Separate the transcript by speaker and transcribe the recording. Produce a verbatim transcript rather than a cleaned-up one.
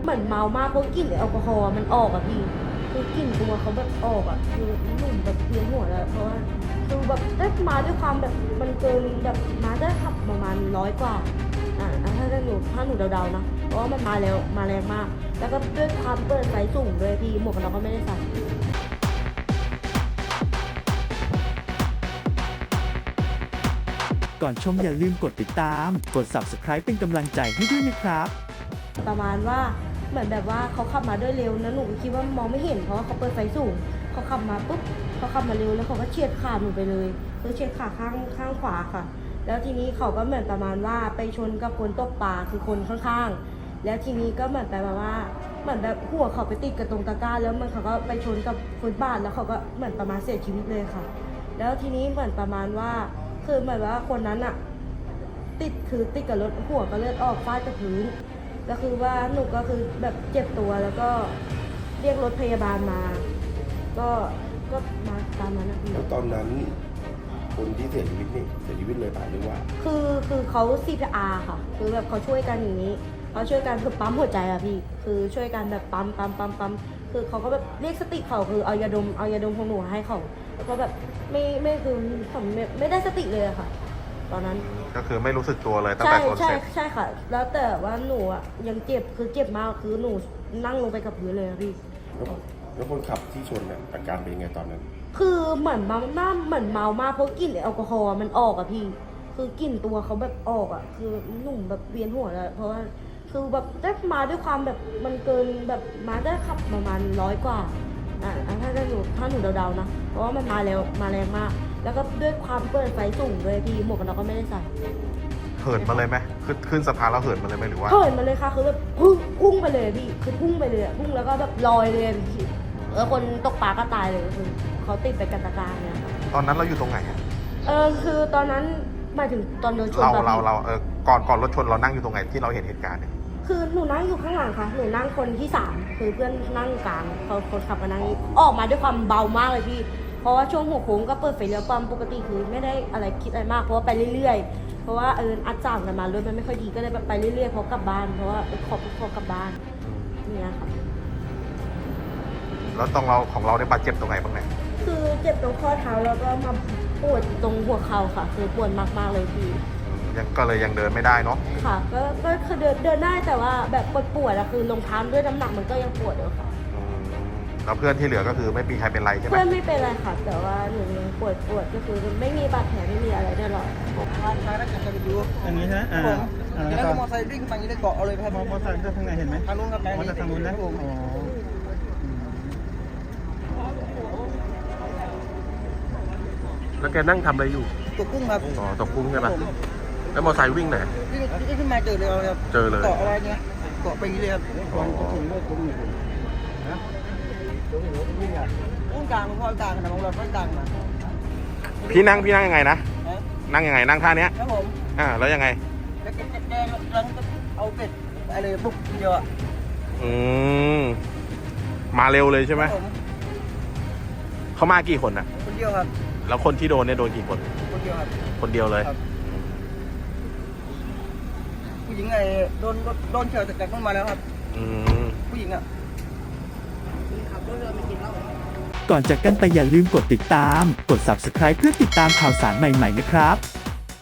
Speaker 1: เหมือนเมามากเพราะกลิ่นแอลกอฮอล์มันออกอะพี่คือกลิ่นตัวเขาแบบออกอะคือหนุ่มแบบเวียนหัวแล้วเพราะว่าคือแบบได้มาด้วยความแบบมันเกินแบบมาได้ขับประมาณร้อยกว่าอ่าถ้าหนูถ้าหนูเดาๆนะเพราะว่ามันมาแล้วมาแรงมากแล้วก็ด้วยความเปิดไฟสูงด้วยพี่หมวกกันน็อกก็ไม่ได้ใส่
Speaker 2: ก่อนชมอย่าลืมกดติดตามกด ซับสไครบ์ เป็นกำลังใจให้ด้วยนะครับ
Speaker 1: ประมาณว่าเหมือนแบบว่าเขาขับมาด้วยเร็วนะหนูคิดว่ามองไม่เห็นเพราะว่าเขาเปิดไฟสูงเขาขับมาปุ๊บเขาขับมาเร็วแล้วเขาก็เฉียดขาหนูไปเลยคือเฉียดขาข้างข้างขวาค่ะแล้วทีนี้เขาก็เหมือนประมาณว่าไปชนกับคนตกปลาคือคนข้างๆแล้วทีนี้ก็เหมือนแบบว่าเหมือนแบบหัวเขาไปติดกับตรงตะกร้าแล้วมันเขาก็ไปชนกับฟุตบาทแล้วเขาก็เหมือนประมาณเสียชีวิตเลยค่ะแล้วทีนี้เหมือนประมาณว่าคือเหมือนว่าคนนั้นอะติดคือติดกับรถหัวก็เลือดออกฟาดกับพื้นก็คือว่าหนูก็คือแบบเจ็บตัวแล้วก็เรียกรถพยาบาลมาก็ก็มาตามนั้นนะพี่
Speaker 3: แล้วตอนนั้นคนที่เสียชีวิตนี่เสียชีวิตเลยป่ะหรือว่า
Speaker 1: คือคือเขา ซี พี อาร์ ค่ะคือแบบเขาช่วยกันอย่างนี้เขาช่วยกันคือปั๊มหัวใจอะพี่คือช่วยกันแบบปั๊มปั๊มปั๊มปั๊มคือเขาก็แบบเรียกสติเขาคือเอายาดมเอายาดมของหนูให้เขาแล้วก็แบบไม่ไม่คือผมไม่ไม่ได้สติเลยอะค่ะตอนนั้น
Speaker 4: ก็คือไม่รู้สึกตัวเลยตั้งแต่ชนเสร็จ
Speaker 1: ใช่ใช่ค่ะแล้วแต่ว่าหนูอ่ะยังเจ็บคือเจ็บมากคือหนูนั่งลงไปกับพื้นเลยพี่
Speaker 3: แล้วคนขับที่ชนเนี่ยอาการเป็นยังไงตอนนั้น
Speaker 1: คือเหมือนเมาหน้าเหมือนเมามากเพราะกลิ่นแอลกอฮอล์มันออกอะพี่คือกลิ่นตัวเขาแบบออกอะคือหนุ่มแบบเวียนหัวแล้วเพราะว่าคือแบบได้มาด้วยความแบบมันเกินแบบมาได้ขับประมาณร้อยกว่าอ่าถ้าหนูถ้าหนูเดาๆนะเพราะว่ามันมาแล้วมาแรงมากแล้วก็ด้วยความเปิดไฟสูงด้วยพี่หมวกกันน็อกก็ไม่ได้ใส่
Speaker 4: เหินมาเลยไหมขึ้นขึ้นสะพานแล้วเหินมาเลยไหมหรือว่า
Speaker 1: เหินมาเลยค่ะคือแบบพุ่งพุ่งไปเลยพี่คือพุ่งไปเลยพุ่งแล้วก็แบบลอยเลยพี่แล้วคนตกปลาก็ตายเลยคือเขาติดไปกันตะการเนี่ย
Speaker 4: ตอนนั้นเราอยู่ตรงไหน
Speaker 1: เออคือตอนนั้นหมายถึงตอนโดนชน
Speaker 4: เราเราเราเออก่อนก่อนรถชนเรานั่งอยู่ตรงไหนที่เราเห็นเหตุการณ์เนี่ย
Speaker 1: คือหนูนั่งอยู่ข้างหลังค่ะหนูนั่งคนที่สามคือเพื่อนนั่งกลางเขาคนขับมานั่งออกมาด้วยความเบามากเลยพี่เพราะว่าช่วงหัวโค้งก็เปิดไฟเลี้ยวปั๊มปกติคือไม่ได้อะไรคิดอะไรมากเพราะว่าไปเรื่อยๆเพราะว่าเอออัดจ่างกันมารถมันไม่ค่อยดีก็เลยแบบไปเรื่อยๆเพราะกลับบ้านเพราะว่าขอขอกลับบ้านเนี่ยค่ะ
Speaker 4: แล้วตรงเราของเราได้บาดเจ็บตรงไหนบ้างเนี่ย
Speaker 1: คือเจ็บตรงข้อเท้าแล้วก็มาปวดตรงหัวเข่าค่ะคือปวดมากๆเลยพี่
Speaker 4: ยังก็เลยยังเดินไม่ได้เนาะ
Speaker 1: ค่ะก็ก็คือเดินเดินได้แต่ว่าแบบปวดปวดอะคือรองเท้าด้วยน้ำหนักมันก็ยังปวดอยู่ค่ะ
Speaker 4: แล้วเพื่อนที่เหลือก็คือไม่มีใครเป็นไรใช่ไหม
Speaker 1: เพื่อนไม่เป็นไรค่ะแต่ว่าหนูยังปวดปวดก็คือไม่มีบาดแผลไม่มีอะไรได้หรอก
Speaker 2: อันนี้ฮะอ่า
Speaker 5: แล้วก็มอเตอร์ไซค์วิ่งฝั่งนี้ได้เกาะเอาเลยครับ
Speaker 2: มอเตอร์ไซค์ทางไหนเห็นไหม
Speaker 5: ทางนู้นครับ
Speaker 2: มอเตอร์ไซค์ทางนู้นนะอ๋อ
Speaker 6: แล้วแกนั่งทำอะไรอยู่
Speaker 5: ตกกุ้งครับ
Speaker 6: อ๋อตกกุ้งใช่ไหมแล้วมอเตอร์ไซค์วิ่งไหน
Speaker 5: วิ่งวิ่งขึ้นมาเจอเลยครับ
Speaker 6: เจอเลย
Speaker 5: เกาะอะไรเงี้ยเกาะไปนี้เลยครับกุ้งกลางมันก็กลางนะของเราก็กลางมา
Speaker 4: พี่นั่งพี่นั่งยังไงนะนั่งยังไงนั่งท่านี้
Speaker 5: ครับผม
Speaker 4: อ่าแล้วยังไง
Speaker 5: แล้วแกแกกำลังเอาเป็ดอะไรบุกเดียวอ่ะ
Speaker 4: อืมมาเร็วเลยใช่ไหมเขามากี่คนอ่ะ
Speaker 5: คนเดียวครับ
Speaker 4: แล้วคนที่โดนเนี่ยโดนกี่คน
Speaker 5: คนเดียวครับ
Speaker 4: คนเดียวเลย
Speaker 5: ผู้หญิงไอ้โดนโดนเฉียวจากต้นมาแล้วครับ
Speaker 4: อืม
Speaker 5: ผู้หญิงอ่ะขับรถเรือไปกินเหล้า
Speaker 2: ก่อนจากกันไปอย่าลืมกดติดตามกด ซับสไครบ์ เพื่อติดตามข่าวสารใหม่ๆนะครับ